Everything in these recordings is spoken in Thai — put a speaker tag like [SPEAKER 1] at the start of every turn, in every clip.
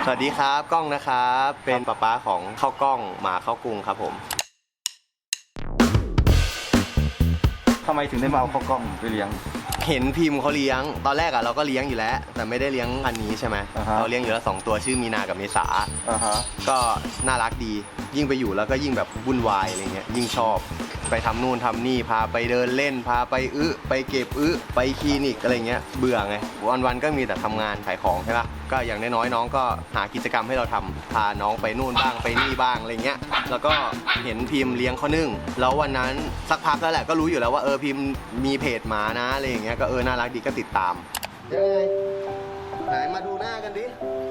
[SPEAKER 1] สวัสดีครับก้องนะครับเป็นป๊าของข้าวกล้องหมาข้าวกรุงครับผม
[SPEAKER 2] ทำไมถึงได้มาเอาข้าวกล้องไปเลี้ยง
[SPEAKER 1] เห็นพิมพ์เขาเลี้ยงตอนแรกเราก็เลี้ยงอยู่แล้วแต่ไม่ได้เลี้ยงพันนี้ใช่ไหมเราเลี้ยงอยู่แล้ว2ตัวชื่อมีนากับเมษาก็น่ารักดียิ่งไปอยู่แล้วก็ยิ่งแบบวุ่นวายอะไรเงี้ยยิ่งชอบไปทำนู่นทำนี่พาไปเดินเล่นพาไปไปเก็บไปคลินิกอะไรเงี้ยเบื่อไงวันๆก็มีแต่ทำงานขายของใช่ปะก็อย่างน้อยๆน้องก็หากิจกรรมให้เราทำพาน้องไปนู่นบ้างไปนี่บ้างอะไรเงี้ยแล้วก็เห็นพิมพ์เลี้ยงข้าวนึ่งแล้ววันนั้นสักพักแล้วแหละก็รู้อยู่แล้วว่าพิมพ์มีเพจหมานะอะไรอย่างเงี้ยก็น่ารักดีก็ติดตามยังไงไหนมาดูหน้ากันดิ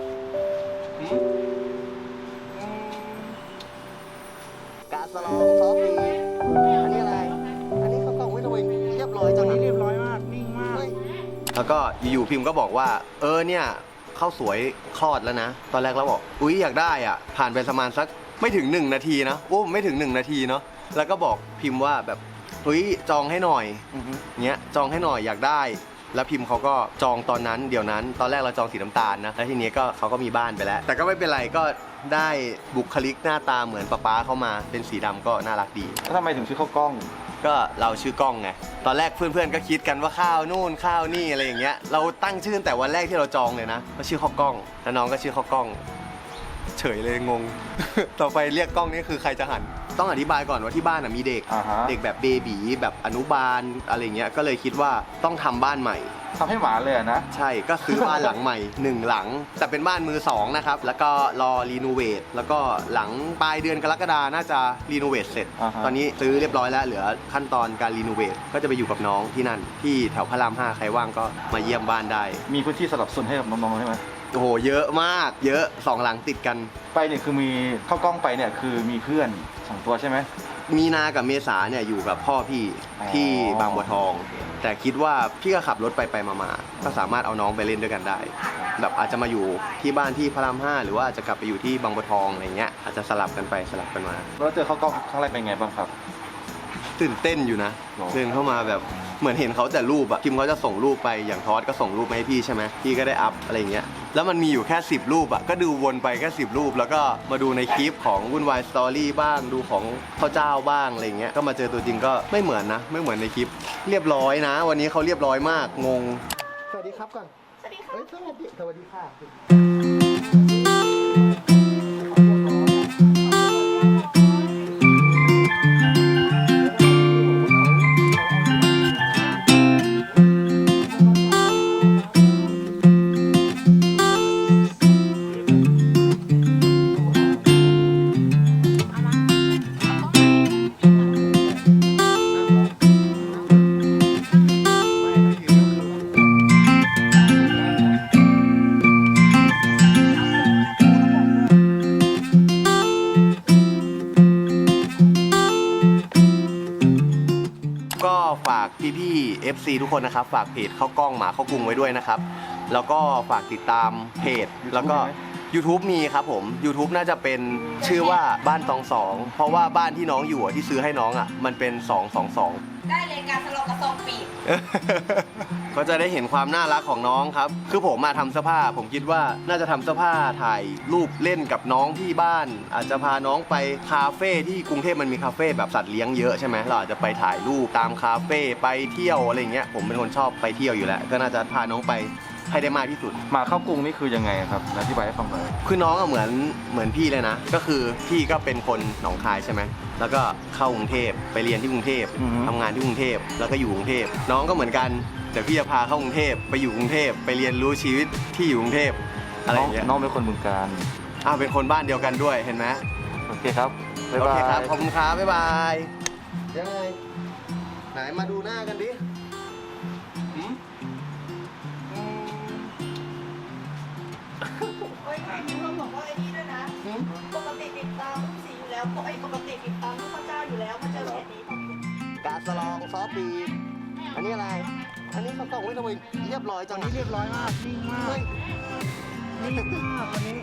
[SPEAKER 1] กาสลองซอฟต์อันนี้อะไรอันนี้เขากล่องไว้ทำไมเรียบร้อยจัง
[SPEAKER 2] นี้เรียบร้อยมากนิ่งมาก
[SPEAKER 1] แล้วก็อยู่พิมพ์ก็บอกว่าเนี่ยข้าวสวยคลอดแล้วนะตอนแรกเราบอกอุ๊ยอยากได้อ่ะผ่านไปประมาณสักไม่ถึง1 นาทีนะไม่ถึง1 นาทีเนาะแล้วก็บอกพิมพ์ว่าแบบอุ๊ยจองให้หน่อยเงี้ยจองให้หน่อยอยากได้แล้วพิมพ์เขาก็จองตอนนั้นเดี๋ยวนั้นตอนแรกเราจองสีน้ำตาลนะแล้วทีนี้ก็เขาก็มีบ้านไปแล้วแต่ก็ไม่เป็นไรก็ได้บุคลิกหน้าตาเหมือนป๊าเข้ามาเป็นสีดำก็น่ารักดี
[SPEAKER 2] แล้วทำไมถึงชื่อข้าวกล้อง
[SPEAKER 1] ก็เราชื่อกล้องไงตอนแรกเพื่อนๆก็คิดกันว่าข้าวนู่นข้าวนี่อะไรอย่างเงี้ยเราตั้งชื่อแต่วันแรกที่เราจองเลยนะก็ชื่อข้าวกล้องแล้วน้องก็ชื่อข้าวกล้องเฉยเลยงง ต่อไปเรียกกล้องนี่คือใครจะหันต้องอธิบายก่อนว่าที่บ้านมีเด็กเด็กแบบเบบีแบบอนุบาลอะไรเงี้ยก็เลยคิดว่าต้องทำบ้านใหม่
[SPEAKER 2] ทำให้หมาเลยนะ
[SPEAKER 1] ใช่ก็ซื้อบ้านหลังใหม่1 หลังแต่เป็นบ้านมือ2นะครับแล้วก็รอรีโนเวทแล้วก็หลังปลายเดือนกรกฎาน่าจะรีโนเวทเสร็จตอนนี้ซื้อเรียบร้อยแล้วเหลือขั้นตอนการรีโนเวทก็จะไปอยู่กับน้องที่นั่นที่แถวพระราม5ใครว่างก็มาเยี่ยมบ้านได้
[SPEAKER 2] มีพื้นที่สำหรับส่วนให้กับน้องๆใช่ไหม
[SPEAKER 1] โอ้โหเยอะมากเยอะ2 หลังติดกัน
[SPEAKER 2] ไปเนี่ยคือมีข้าวกล้องไปเนี่ยคือมีเพื่อน2 ตัวใช่ไหม
[SPEAKER 1] มีนากับเมษาเนี่ยอยู่กับพ่อพี่ที่บางบัวทองแต่คิดว่าพี่ก็ขับรถไปมาก็สามารถเอาน้องไปเล่นด้วยกันได้แบบอาจจะมาอยู่ที่บ้านที่พระราม5หรือว่าอาจจะกลับไปอยู่ที่บางบัวทองอะไรเงี้ยอาจจะสลับกันไปสลับกันมา
[SPEAKER 2] แล้วเจอข้าวกล้องครั้งแรกเป็นไงบ้างครับ
[SPEAKER 1] ตื่นเต้นอยู่นะเดินเข้ามาแบบเหมือนเห็นเขาแต่รูปอะพิมเขาจะส่งรูปไปอย่างทอสก็ส่งรูปมาให้พี่ใช่ไหมพี่ก็ได้อัพอะไรเงี้ยแล้วมันมีอยู่แค่10 รูปอะก็ดูวนไปแค่10 รูปแล้วก็มาดูในคลิปของวุ่นวายสตอรี่บ้างดูของข้าวเจ้าบ้างอะไรเงี้ยก็มาเจอตัวจริงก็ไม่เหมือนนะไม่เหมือนในคลิปเรียบร้อยนะวันนี้เขาเรียบร้อยมากงงสวัสดีครับก่อน
[SPEAKER 3] สวัสดีค่ะ
[SPEAKER 1] สวัสดีค่ะฝากพี่ๆ FC ทุกคนนะครับฝากเพจข้าวกล้องหมาข้าวกรุงไว้ด้วยนะครับแล้วก็ฝากติดตามเพจแล้วก็ YouTube มีครับผม YouTube น่าจะเป็นชื่อว่าบ้านตอง2เพราะว่าบ้านที่น้องอยู่ที่ซื้อให้น้องมันเป็น222
[SPEAKER 3] ได้เลยการสลบกระซองปีก
[SPEAKER 1] ก็จะได้เห็นความน่ารักของน้องครับคือผมมาทำเสื้อผ้าผมคิดว่าน่าจะทำเสื้อผ้าถ่ายรูปเล่นกับน้องที่บ้านอาจจะพาน้องไปคาเฟ่ที่กรุงเทพมันมีคาเฟ่แบบสัตว์เลี้ยงเยอะใช่ไหมเราอาจจะไปถ่ายรูปตามคาเฟ่ไปเที่ยวอะไรเงี้ยผมเป็นคนชอบไปเที่ยวอยู่แล้วก็น่าจะพาน้องไปให้ได้มากที่สุด
[SPEAKER 2] หมาข้าวกรุงนี่คือยังไงครับอธิบายให้ฟังหน่อย
[SPEAKER 1] คือน้องเหมือนพี่เลยนะก็คือพี่ก็เป็นคนหนองคายใช่ไหมแล้วก็เข้ากรุงเทพไปเรียนที่กรุงเทพทำงานที่กรุงเทพแล้วก็อยู่กรุงเทพน้องก็เหมือนกันเดี๋ยวพี่จะพาเข้ากรุงเทพไปอยู่กรุงเทพไปเรียนรู้ชีวิตที่อยู่กรุงเทพอะไรอย่างเงี้ย
[SPEAKER 2] น้องเป็นคนบึงกาฬ
[SPEAKER 1] เป็นคนบ้านเดียวกันด้วยเห็นไหม
[SPEAKER 2] โอเคครับ
[SPEAKER 1] บ๊ายบายโอเคครับขอบคุณครับบ๊ายบายยังไงไหนมาดูหน้ากันดิ
[SPEAKER 3] มีคนบอกว่าไอ้นี่ด้วยนะปกติติดตามลูกสีอยู่แล้วปกติติดตามลูกพระเจ้าอยู่แล้วมาเจอแบบนี้
[SPEAKER 1] กาสลองซอฟต์บีอันนี้อะไรอันนี้เขากล่องไว้ทำไมเรียบร้อยจัง
[SPEAKER 2] นี้เรียบร้อยมากนิ่งมากนิ่งมากวันนี้